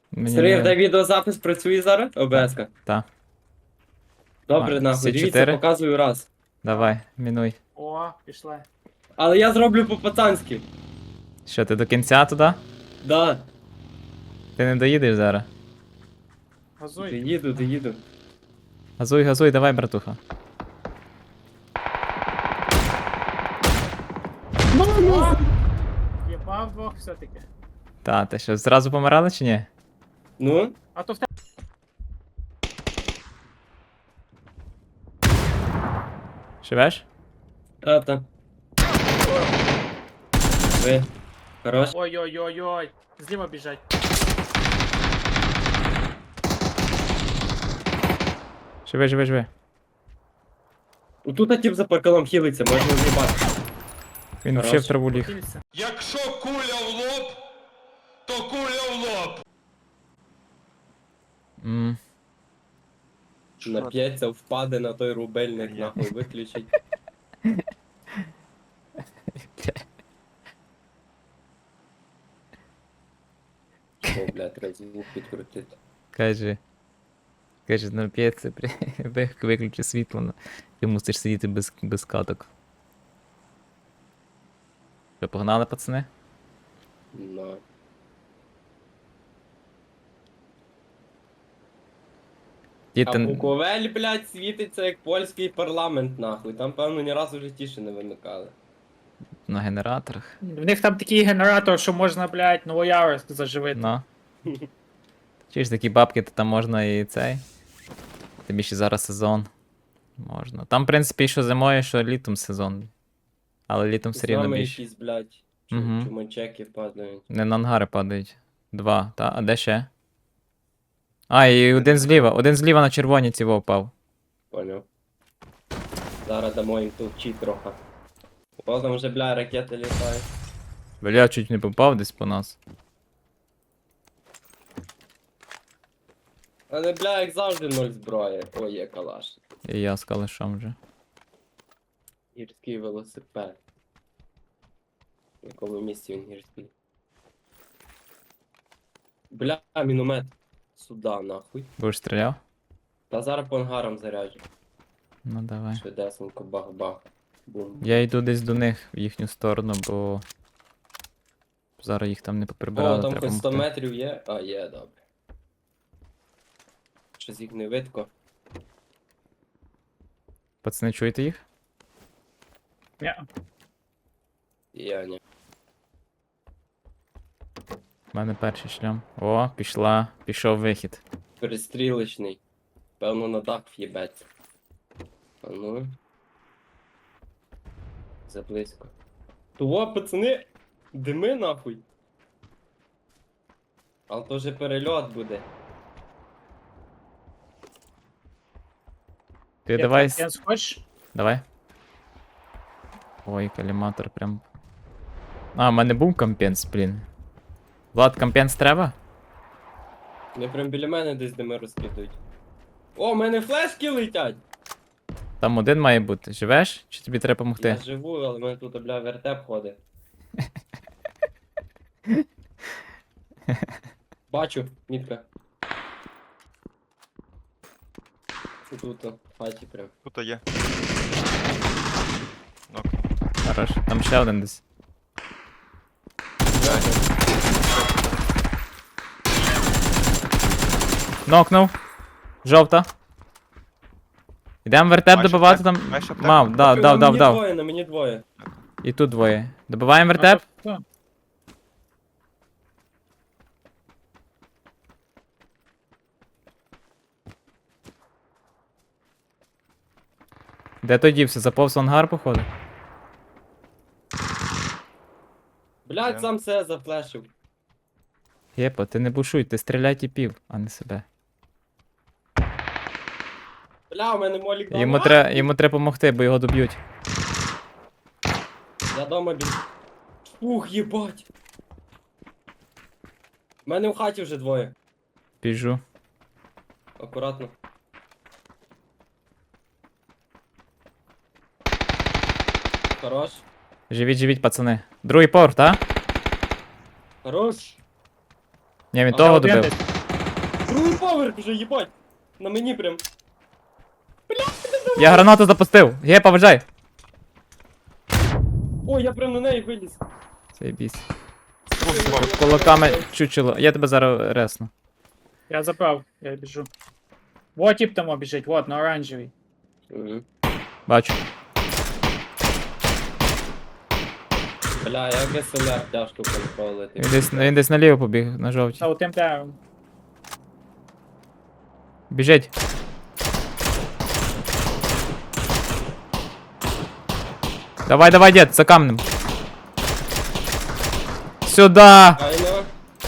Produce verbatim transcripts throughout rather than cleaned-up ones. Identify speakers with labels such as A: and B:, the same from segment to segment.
A: Мені
B: Сергій,
A: не...
B: дай відеозапис працює зараз? ОБС-ка.
A: Та.
B: Добре,
A: А,
B: нахуй,
A: всі
B: дивіться,
A: чотири?
B: показую раз.
A: Давай, мінуй.
C: О, пішли.
B: Але я зроблю по-пацанськи.
A: Що, ти до кінця туди?
B: Да.
A: Ти не доїдеш зараз.
C: Газуй.
B: Доїду, доїду.
A: Газуй, газуй, давай, братуха.
C: О! Єбав двох все-таки.
A: Та, ти що, зразу помирали чи ні?
B: Ну?
C: А то в тебе.
A: Живеш?
B: Та-та. Ви. Хорош.
C: Ой-ой-ой-ой. Зліва біжать.
A: Живи, живи, живи.
B: Тут тип за паркалом хілиться, можна з'їбати.
A: Він
B: Хорош.
A: ще в траву ліг.
C: Кільця.
D: Якщо куля в лоб, то куля в лоб.
A: М.
B: Нап'ється, впаде на той рубельник, нахуй, виключить. О, блядь, треба звук підкрутити.
A: Каже. Каже, нап'ється, при... виключи світло, ну, ти мусиш сидіти без, без каток. Що, погнали, пацани?
B: Ну. А
A: Діти...
B: Буковель, блядь, світиться як польський парламент, нахуй. Там, певно, ні разу в житті ще не вимикали.
A: на генераторах.
C: В них там такий генератор, що можна, блядь, Новояворськ заживити.
A: Ну. Чи ж такі бабки, то там можна і цей. Тобі ще зараз сезон. Можна. Там, в принципі, що зимою, що літом сезон. Але літом все
B: З
A: рівно
B: нами
A: більше.
B: якісь, блядь, чу-
A: Мгм.
B: чумачеки падають.
A: Не на ангари падають. Два, та? А де ще? А, і один зліва. Один зліва на червоні цього впав.
B: Поняв. Зараз дамо їм товчі трохи. О, там вже, бля, ракети літають.
A: Бля, чуть не попав десь по нас.
B: Але, бля, як завжди ноль зброї. Ой, є калаш.
A: І я з калишом вже.
B: Гірський велосипед. В якому місці він гірський? Бля, міномет. Сюда, нахуй.
A: Будеш стріляв?
B: Та зараз по ангарам заряджу.
A: Ну давай.
B: Швидесенько, бах-бах. Бум.
A: Я йду десь до них в їхню сторону, бо. Зараз їх там не поприбирали,
B: О, там
A: треба
B: хоч сто
A: помогти.
B: метрів є? А, є, добре. Щось їх не видко.
A: Пацани, чуєте їх?
C: Ні.
B: Я ні.
A: У мене перший шлям. О, пішла. Пішов вихід.
B: Перестрілочний. Певно, на дах в'єбеться. А ну. Заблизько. Того, пацани, дими нахуй. Але то вже перельот буде.
A: Ти давай.
C: Я
A: с-
C: хочеш?
A: Давай. Ой, каліматор прям. А, в мене був компенс, блін. Влад, компенс треба?
B: Вони прям біля мене десь дими розкидують. О, в мене флешки летять!
A: Там один має бути. Живеш? Чи тобі треба
B: Я
A: допомогти?
B: живу, але в мене тут, бля, вертеп ходить. Бачу, мітка. Тут, в хаті прям.
D: Тут є. Ну,
A: Хорош. Там ще один десь. Нокнув. Жовта. Ідемо вертеп
D: Маєш
A: добивати
D: аптеку?
A: там.
D: Маєш аптеку?
A: Мав, дав,
B: На
A: дав, дав,
B: мені
A: дав.
B: двоє, на мені двоє.
A: І тут двоє. Добиваємо вертеп?
C: А, то-
A: Де той дівся? Заповз в ангар, походу?
B: Блядь,
D: Є.
B: сам себе зафлешив.
A: Єпа, ти не бушуй, ти стріляй тіпів, а не себе.
B: Бля, у мене молік дома.
A: Йому
B: А!
A: треба йому треба допомогти, бо його доб'ють.
B: Я дома біг. Ух, їбать. У мене в хаті вже двоє.
A: Біжу.
B: Акуратно. Хорош.
A: Живіть, живіть, пацани. Другий поверх, так?
B: Хорош.
A: Ні, він
B: А,
A: того
C: один
A: добив.
C: десь.
B: Другий поверх вже, їбать. На мені прям.
A: Я гранату запустив. Є, поважай.
B: Ой, я прям на неї виліз.
A: Цей біс.
D: Другий поверх.
A: Кулаками чучело. Я тебе зараз ресну.
C: Я забрав, я біжу. Вот тип там біжить, вот, на оранжевій.
B: Мгм.
A: Бачу.
B: Бля, як ес ел ар тяжко контролити.
A: Він десь, він десь наліво побіг, на жовтій.
C: Та у тим деревом.
A: Біжить. Давай, давай, дід, за камнем. Сюда!
B: Айно.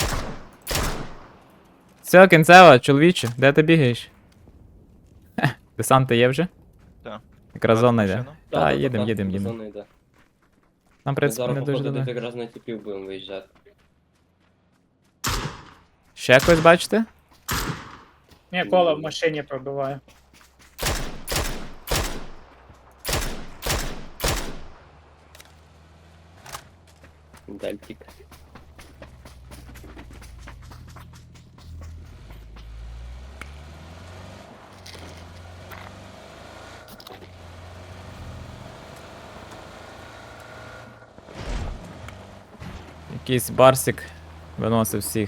A: Все, кінцева, чоловіче, де ти бігаєш? Хе, десанти є вже?
D: Так.
A: Якраз зона йде.
D: Машина?
A: Та, їдем, їдем, їдем.
B: Зона йде.
A: Нам, в
B: Ми
A: принципі,
B: зараз,
A: не дуже
B: походу, десь
A: далеко.
B: якраз на тіпів будемо виїжджати.
A: Ще когось бачите?
C: Ні, коло в машині пробиває.
B: Дельтик.
A: Якийсь барсик виносив всіх.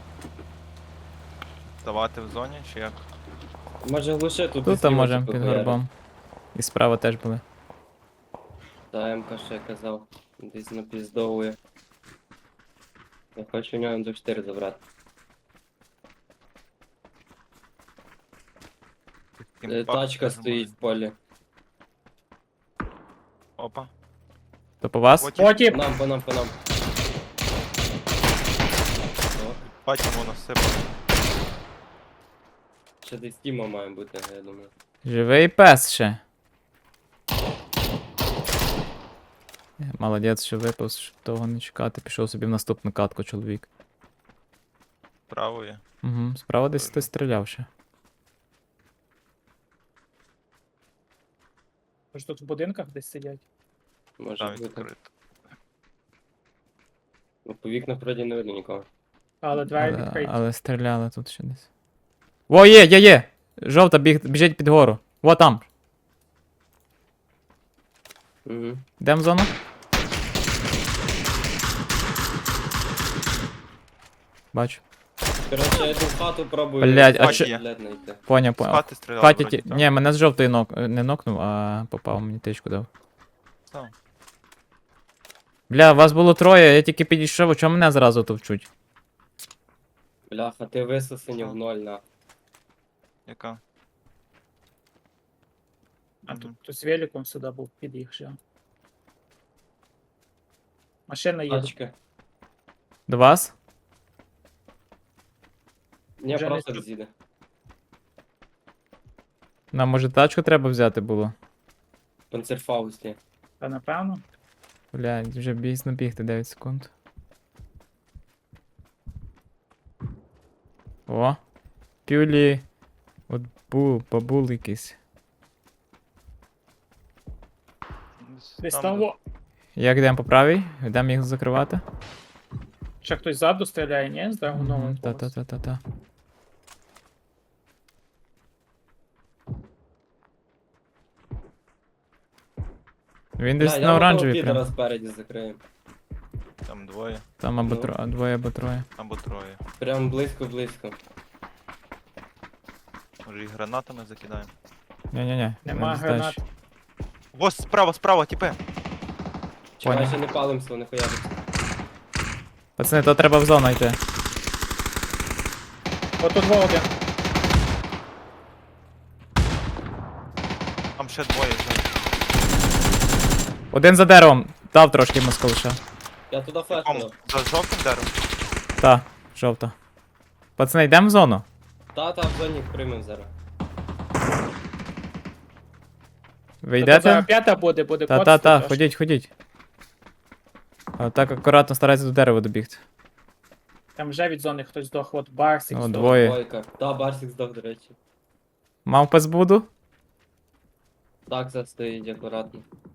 D: Давати в зоні чи як?
B: Може глуши тут.
A: Тут
B: десь
A: там
B: ліво
A: можемо
B: типу
A: під
B: хуярить.
A: горбом. І справа теж були.
B: Та МК ще казав. Десь напіздовує. Я хочу у нього ем двадцять чотири забрати. Е,
D: Імпакт
B: Тачка
D: теж
B: стоїть в
D: може.
B: полі.
D: Опа.
A: То по вас?
D: От
C: О,
B: По
C: тип!
B: нам, по нам, по нам. О,
D: бачимо воно сипає.
B: ще десь Тіма має бути, я думаю.
A: Живий пес ще. Молодець, що випав, щоб того не чекати. Пішов собі в наступну катку чоловік.
D: Правою.
A: Угу, справа десь хтось стріляв ще.
C: Тож тут в будинках десь сидять.
B: Може
D: Там
B: бути.
D: відкрито.
B: Ну, по вікнах вроді не видно нікого.
C: Але двері
A: Але,
C: відкриті.
A: але стріляли тут ще десь. Во, є, є, є! Жовта біг, біжить під гору. Во там.
B: Угу.
A: Йдем в зону. Бачу.
B: Коротше, я йду в хату пробую.
A: Блядь, а
B: хат
D: чи-
B: блядь, знайти.
A: Поняв,
D: З
A: поняв.
D: хати стріляли.
A: Хаті
D: вроді,
A: ті...
D: так?
A: Ні, мене з жовтої нок... не нокнув, а попав, мені тичку дав.
D: Так.
A: Бля, вас було троє, я тільки підійшов, а чому мене зразу товчуть?
B: Бляха, ти висосені в ноль, на.
D: Яка?
C: А
D: Мгм.
C: тут, тут з великом сюди був під'їхав. Машина їде.
B: Тачка.
A: До вас?
B: Ні,
C: Вже не
B: просто
C: чу-
B: з'їде.
A: Нам може тачку треба взяти було?
B: Панцерфаусті.
C: Та напевно.
A: Бля, вже бійсно бігти дев'ять секунд. О! Пюлі. От бу, бабул якийсь.
C: Десь
D: Там,
C: там.
D: де-
C: Во.
A: Як йдемо по правій? Йдемо їх закривати?
C: Ще хтось ззаду стріляє, ні? З драгуновим.
A: Та-та-та-та-та. Він десь на оранжевій
B: підера
A: прям.
B: спереді закриємо.
D: Там двоє.
A: Там або
B: Ну.
A: тро... двоє, або троє.
D: Або троє.
B: Прям близько-близько.
D: Може і гранатами закидаємо.
A: Ні-ні-ні.
C: Нема
A: не
C: гранат.
A: здачі.
D: Ось справа, справа, тіпе.
B: Чекай,
A: Понял.
B: ще не палимся, не хуяриться.
A: Пацани, то треба в зону йти.
C: Отут во один.
D: Там ще двоє. ще.
A: Один за деревом. Дав трошки москалиша.
B: Я туди флеш
D: Кому?
B: дав.
D: За жовтим деревом?
A: Та, жовта. Пацани, йдемо в зону?
B: Та, та, в зоні приймем зараз.
A: Ви
C: Та тут зараз
A: йдете?
C: п'ята буде, буде код
A: Та-та-та,
C: стоїть аж.
A: ходіть, ходіть. А так акуратно старайтеся до дерева добігти.
C: Там вже від зони хтось здох, от Барсик
A: О,
C: здох.
A: двоє.
B: Двойка. Та, Барсик здох, до речі.
A: Мав пес буду?
B: Так, це стоїть акуратно.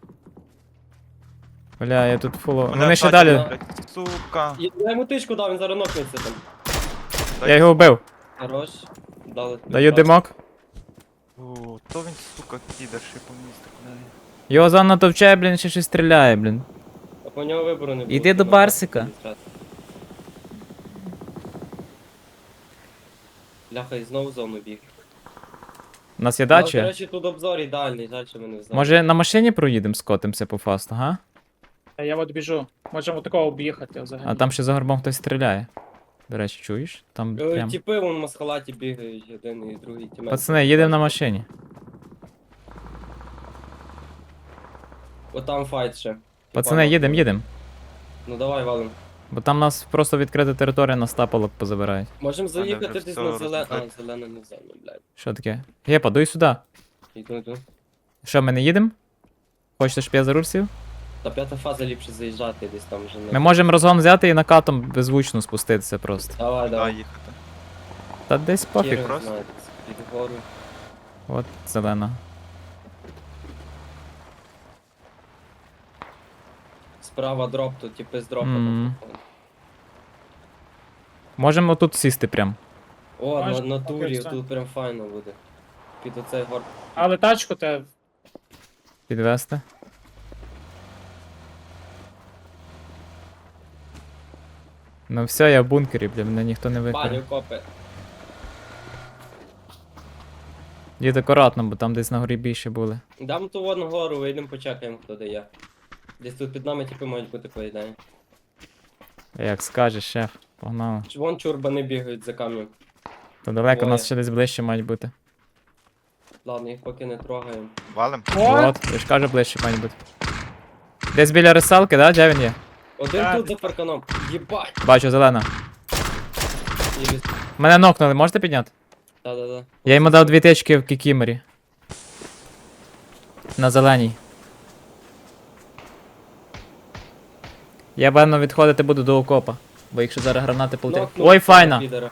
A: Бля, я тут фуло.
D: Мене
A: Вони ще
D: атаки,
A: далі.
D: блядь, Сука.
B: Я я йому тичку дав, він зараз нокнеться там.
D: Дай-
A: Я його вбив.
B: Хорош. Дали тобі
A: Даю
B: пас.
A: димок.
E: О, то він, сука, підер, ще по місту кидає.
A: Його зона товчає, блін, ще щось стріляє, блін.
B: А по нього вибору не було.
A: Іди до
B: Ну,
A: Барсика.
B: так, Бляха, і знову в зону біг.
A: У нас є
B: Ну, До
A: дача?
B: речі, тут обзор ідеальний, жаль, що ми не в зоні.
A: Може на машині проїдемо, скотимося по фасту, га?
C: Та я от біжу. Можемо такого об'їхати взагалі.
A: А там ще за горбом хтось стріляє. До речі, чуєш? Там
B: Е,
A: прям.
B: Тіпи вон в маскалаті бігають, один і другий тімей.
A: Пацани, їдемо на машині.
B: От там файт ще.
A: Пацани,
B: Тіпа,
A: їдемо, їдемо.
B: Ну давай, валим.
A: Бо там нас просто відкрита територія, нас тапалок позабирають.
B: Можемо
E: Мене
B: заїхати
E: вже
B: десь
E: все
B: на зелену. А,
E: розбиває.
B: зелена не в зоні, блядь.
A: Що таке? Гепа, дуй сюди.
B: Іду, іду.
A: Що, ми не їдемо? Хочете, щоб я за руль сів?
B: Та п'ята фаза ліпше заїжджати десь там вже
A: Ми
B: не.
A: можемо розгон взяти і накатом беззвучно спуститися просто.
B: Давай,
E: Куди
B: давай.
E: їхати?
A: Та десь пофіг.
B: Кіри,
E: просто.
B: знаєте, під гору.
A: От зелена.
B: Справа дроп, тут типи з дропа.
A: Мгм.
B: там.
A: Можемо тут сісти прям.
B: О, на,
C: Можеш?
B: на
C: Окей,
B: турі,
C: все.
B: тут прям файно буде. Під оцей гор.
C: Але тачку те.
A: Підвести. Ну все, я в бункері, бля, мене ніхто не
B: Баню
A: викриє.
B: копи.
A: Їдь акуратно, бо там десь на горі більше були.
B: Дам ту вон гору, вийдемо почекаємо, хто де є. Десь тут під нами типи мають бути по ідеї.
A: Як скажеш, шеф, погнали.
B: Ч- Вон чурбани бігають за камнем.
A: То далеко
B: Двоє.
A: нас ще десь ближче мають бути.
B: Ладно, їх поки не трогаємо.
E: Валим?
C: О!
A: От, я ж кажу, ближче мають бути. Десь біля рисалки, да? Де він є?
B: Один
C: Так.
B: тут за парканом. Єбать!
A: Бачу, зелена.
B: Єбіс.
A: Мене нокнули, можете підняти?
B: Да-да-да.
A: Я йому дав дві тички в кікімері. На зеленій. Я певно відходити буду до окопа. Бо якщо зараз гранати полетять.
B: Нокнув
A: Ой,
B: цього
A: файна!
B: підера.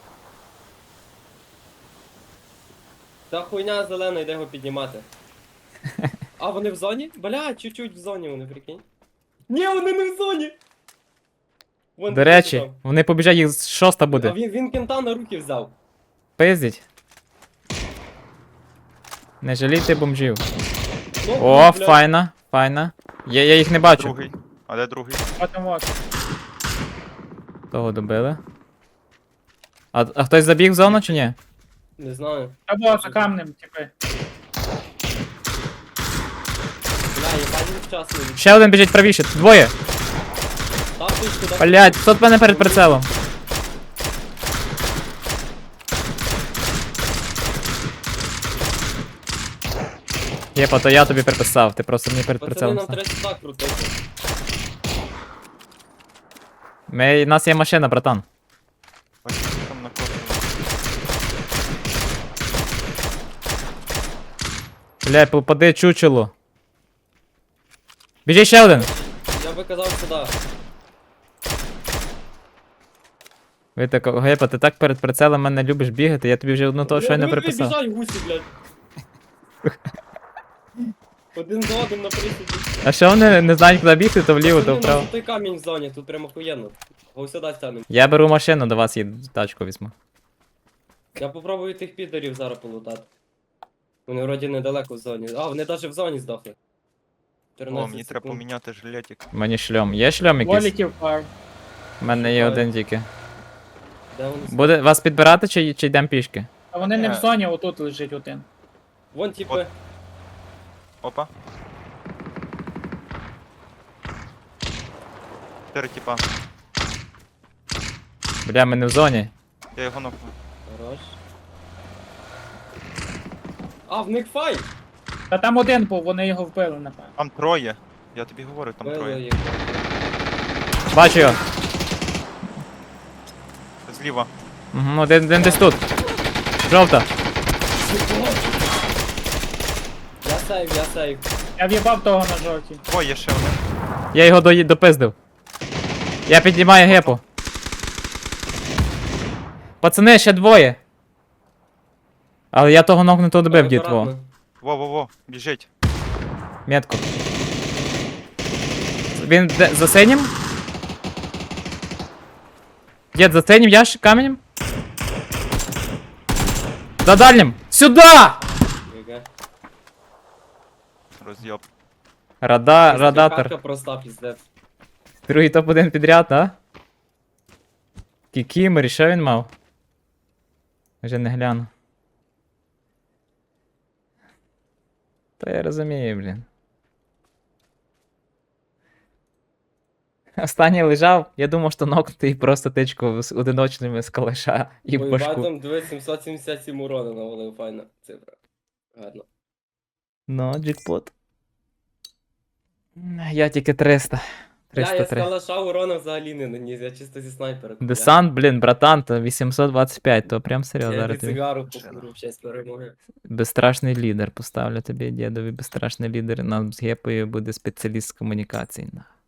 B: Та хуйня зелена, йде його піднімати. А, вони в зоні? Бля, чуть-чуть в зоні вони, прикинь. Ні, вони не в зоні! Вон
A: До
B: він
A: речі,
B: там.
A: вони побіжать, їх шоста
B: А
A: буде.
B: він, він кента на руки взяв.
A: Пиздіть. Не жалійте бомжів.
B: Ну,
A: О,
B: бля.
A: файна, файна. Я, я їх не бачу.
E: Другий. А де другий?
C: От там от.
A: Того добили. А, а хтось забіг в зону чи ні?
B: Не знаю.
C: Або за камнем, типи.
B: Бля, я бачив вчасно.
A: Ще один біжить правіше, двоє.
B: Там тичку, да.
A: Блять, хто в мене перед прицелом? Єпа, то я тобі приписав, ти просто мені перед
B: Пацани,
A: прицелом.
B: нам
A: став.
B: треба сюди крутити.
A: Ми, у нас є машина, братан.
E: Ось там на кошті.
A: Бля, попади чучело. Біжи ще один.
B: Я би казав сюди.
A: Ви так, Гепа, ти так перед прицелом мене любиш бігати, я тобі вже одну того щойно
B: Диви,
A: приписав.
B: Біжать гусі, блядь. Один за одним на присіді.
A: А що вони не знають, куди бігти, то вліво, то
B: Пацани, у нас
A: вправо.
B: той камінь в зоні, тут прямо охуєнно. Го сюди стягнемо.
A: Я беру машину, до вас їду, тачку візьму.
B: Я попробую тих підерів зараз полутати. Вони вроді недалеко в зоні. А, вони навіть в зоні здохли.
E: О,
B: чотирнадцять
E: мені треба
B: секунд.
E: поміняти жилетик.
A: Мені шльом. Є шльом якийсь?
C: Воліків пар.
A: У мене є
B: Шукаю.
A: один тільки.
B: Де вони?
A: Буде вас підбирати чи, чи йдемо пішки?
C: А вони не в
E: Е.
C: зоні, отут лежить один.
B: Вон типи.
E: От. Опа. Чотири тіпа.
A: Бля, ми не в зоні.
E: Я його нокну.
B: Хорош. А, в них файт!
C: Та там один був, вони його вбили, напевно.
E: Там троє. Я тобі говорю, там
B: Били
E: троє.
B: їх.
A: Бачу його.
E: Зліва.
A: Угу, один, один десь тут. Жовта.
B: Я сейв, я сейв.
C: Я в'їбав того на жовтій.
E: О, є ще один.
A: Я його до, допиздив. Я піднімаю гепу. Пацани, ще двоє. Але я того нокнутого добив, дід, во.
B: Акуратно.
E: Во-во-во, біжить.
A: Метку. Він де, за синім? Дід, за синім ящик каменем? За дальнім! Сюда!
B: Яке?
E: Роз'єб.
A: Рада,
B: Картка
A: радатор.
B: проста, піздець.
A: Другий топ один підряд, а? Кікімері, що він мав? Вже не гляну. Та я розумію, блін. Останній лежав, я думав, що нокнутий просто тичку з одиночними з калаша і в башку.
B: Бойбатом, дивись, сімсот сімдесят сім урона навалив, файна цифра. Гарно.
A: Ну, джекпот. Я тільки триста.
B: Бля, я з
A: триста три.
B: калаша урона взагалі не наніс, я чисто зі снайпера. купляв.
A: Десант, блін, братан, то вісімсот двадцять п'ять, то прям серйозно.
B: Я
A: Зараз
B: від
A: тобі.
B: цигару покуру в честь перемоги.
A: Безстрашний лідер. Поставлю тобі, дідові, безстрашний лідер. Нам з гепою буде спеціаліст з комунікацій. на.